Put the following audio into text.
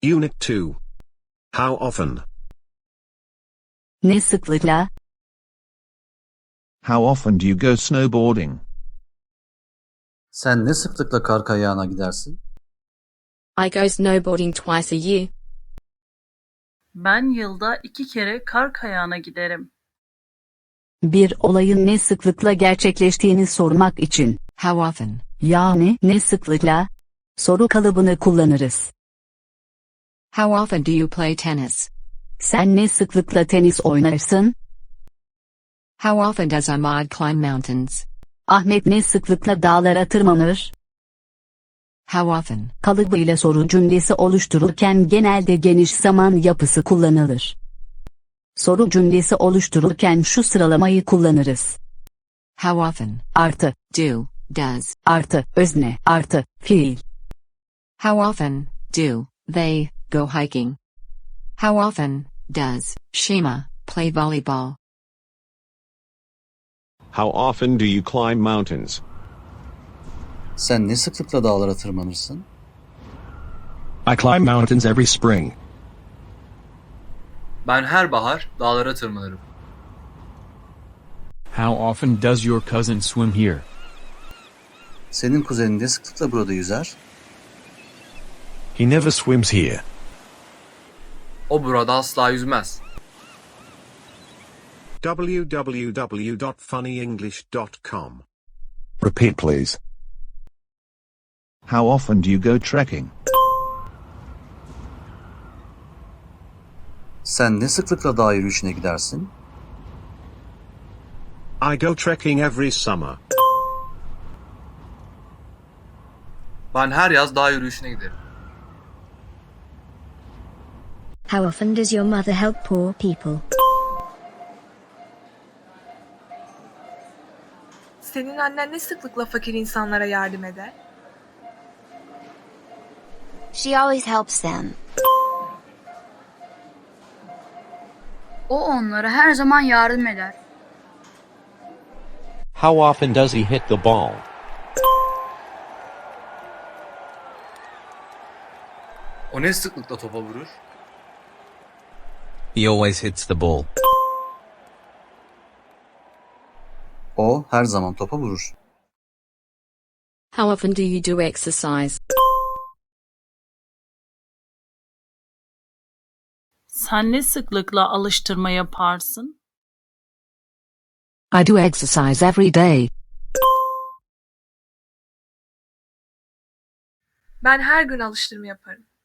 Unit 2. How often? Ne sıklıkla? How often do you go snowboarding? Sen ne sıklıkla kar kayağına gidersin? I go snowboarding twice a year. Ben yılda 2 kere kar kayağına giderim. Bir olayın ne sıklıkla gerçekleştiğini sormak için How often? yani ne sıklıkla soru kalıbını kullanırız. How often do you play tennis? Sen ne sıklıkla tenis oynarsın? How often does Ahmad climb mountains? Ahmet ne sıklıkla dağlara tırmanır? How often? Kalıbıyla soru cümlesi oluştururken genelde geniş zaman yapısı kullanılır. Soru cümlesi oluştururken şu sıralamayı kullanırız. How often? Artı, Do, does. artı, özne, artı, fiil. How often do they go hiking? How often does Shima play volleyball? How often do you climb mountains? Sen ne sıklıkla dağlara tırmanırsın? I climb mountains every spring. Ben her bahar dağlara tırmanırım. How often does your cousin swim here? Senin kuzenin ne sıklıkla burada yüzer? He never swims here. O burada asla yüzmez. www.funnyenglish.com. Repeat please. How often do you go trekking? Sen ne sıklıkla dağ yürüyüşüne gidersin? I go trekking every summer. Ben her yaz dağ yürüyüşüne giderim. How often does your mother help poor people? Senin annen ne sıklıkla fakir insanlara yardım eder? She always helps them. O onlara her zaman yardım eder. How often does he hit the ball? O ne sıklıkla topa vurur? He always hits the ball. O her zaman topa vurur. How often do you do exercise? Sen ne sıklıkla alıştırma yaparsın? I do exercise every day. Ben her gün alıştırma yaparım.